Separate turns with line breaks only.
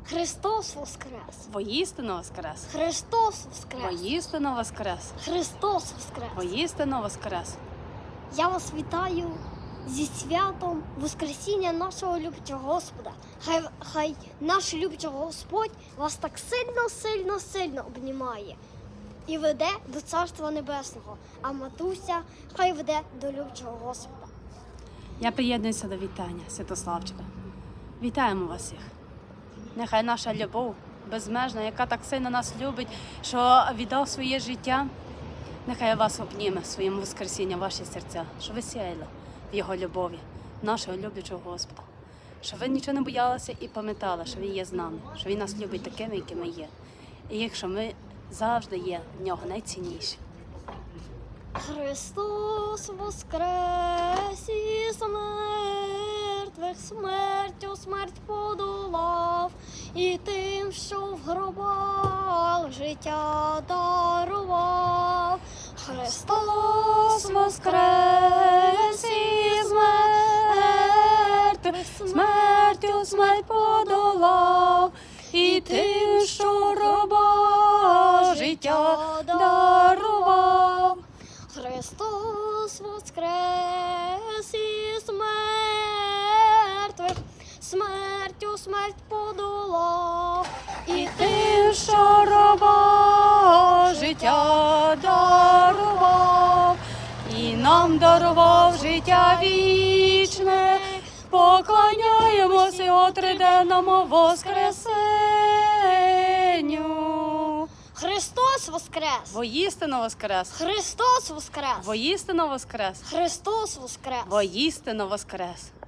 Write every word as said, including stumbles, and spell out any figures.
Христос воскрес!
Воістину воскрес!
Христос воскрес!
Воістину воскрес!
Христос воскрес!
Воістину воскрес!
Я вас вітаю зі святом Воскресіння нашого любчого Господа. Хай, хай наш любчий Господь вас так сильно, сильно, сильно обнімає і веде до Царства Небесного, а матуся хай веде до любчого Господа.
Я приєднуюся до вітання, Святославчика. Вітаємо вас всіх. Нехай наша любов безмежна, яка так сильно нас любить, що віддав своє життя, нехай вас обніме своїм воскресінням ваші серця, що ви сяяли в Його любові, нашого люблячого Господа. Що ви нічого не боялися і пам'ятали, що Він є з нами, що Він нас любить такими, якими є. І якщо ми завжди є в Нього найцінніші.
Христос воскрес із мертвих, смертю смерть подолав, і тим, що в гробах життя дарував. Христос воскрес із мертвих, смертю смерть подолав, і тим, що в гробах життя дарував. Христос воскрес із мертвих, смертю смерть подолав, і тим, що раба життя дарував, і нам дарував життя вічне, поклоняємося Його триденному воскресенню. Христос воскрес!
Воістину воскрес!
Христос воскрес!
Воістину воскрес!
Христос воскрес!
Воістину воскрес!